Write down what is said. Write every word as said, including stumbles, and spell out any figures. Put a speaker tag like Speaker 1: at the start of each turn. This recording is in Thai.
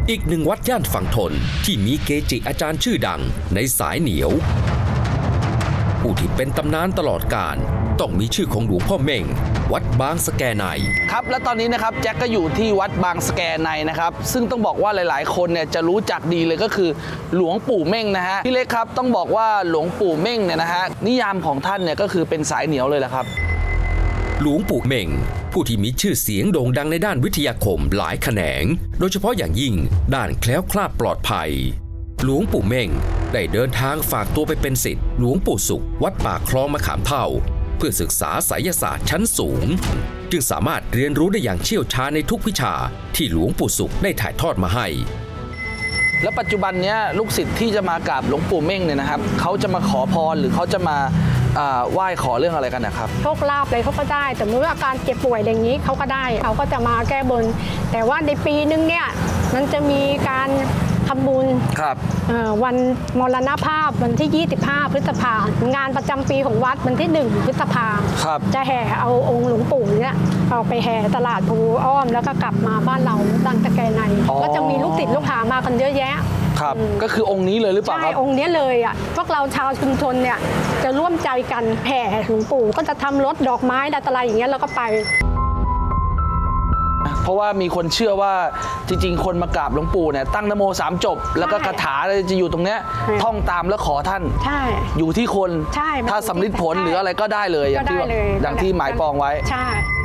Speaker 1: อีกหนึ่งวัดย่านฝั่งทนที่มีเกจิอาจารย์ชื่อดังในสายเหนียวผู้ที่เป็นตำนานตลอดกาลต้องมีชื่อของหลวงพ่อเม่งวัดบางสะแกใน
Speaker 2: ครับและตอนนี้นะครับแจ็คก็อยู่ที่วัดบางสะแกในนะครับซึ่งต้องบอกว่าหลายๆคนเนี่ยจะรู้จักดีเลยก็คือหลวงปู่เม่งนะฮะพี่เล็กครับต้องบอกว่าหลวงปู่เม่งเนี่ยนะฮะนิยามของท่านเนี่ยก็คือเป็นสายเหนียวเลยแหละครับ
Speaker 1: หลวงปู่เม่งผู้ที่มีชื่อเสียงโด่งดังในด้านวิทยาคมหลายแขนงโดยเฉพาะอย่างยิ่งด้านแคล้วคลาดปลอดภัยหลวงปู่เม่งได้เดินทางฝากตัวไปเป็นศิษย์หลวงปู่สุขวัดป่าคลองมะขามเท่าเพื่อศึกษาไสยศาสตร์ชั้นสูงจึงสามารถเรียนรู้ได้อย่างเชี่ยวชาญในทุกวิชาที่หลวงปู่สุขได้ถ่ายทอดมาให้
Speaker 2: แล้วปัจจุบันนี้ลูกศิษย์ที่จะมากราบหลวงปู่เม่งเนี่ยนะครับเขาจะมาขอพรหรือเขาจะมาไหว้ขอเรื่องอะไรกันนะครับ
Speaker 3: โชคลาภอะไรเขาก็ได้แต่เมื่ออาการเจ็บป่วยอย่างนี้เขาก็ได้เขาก็จะมาแก้บนแต่ว่าในปีนึงเนี่ยมันจะมีการทำบุญ
Speaker 2: ครับ
Speaker 3: วันมรณภาพวันที่ยี่สิบห้าพฤษภางานประจำปีของวัดวันที่หนึ่งพฤษภาจะแห่เอาองค์หลวงปู่เนี่ยออกไปแห่ตลาดภูอ้อมแล้วก็กลับมาบ้านเราบางตะแกในก็จะมีลูกศิษย์ลูกหามากันเยอะแยะ
Speaker 2: ครับก็คือองค์นี้เลยหรือเปล่าครับ
Speaker 3: ใช่องค์นี้เลยอ่ะพวกเราชาวชุมชนเนี่ยจะร่วมใจกันแห่หลวงปู่ก็จะทำรถดอกไม้อะไรอย่างเงี้ยแล้วก็ไป
Speaker 2: เพราะว่ามีคนเชื่อว่าจริงๆคนมากราบหลวงปู่เนี่ยตั้งนโมสามจบแล้วก็คาถาจะอยู่ตรงเนี้ยท่องตามแล้วขอท่าน
Speaker 3: ใช่
Speaker 2: อยู่ที่คน
Speaker 3: ใช่
Speaker 2: ถ้าสำลิดผลหรืออะไรก็ได้เลยอย่างที่อย่างที่หมายปองไว้
Speaker 3: ใช่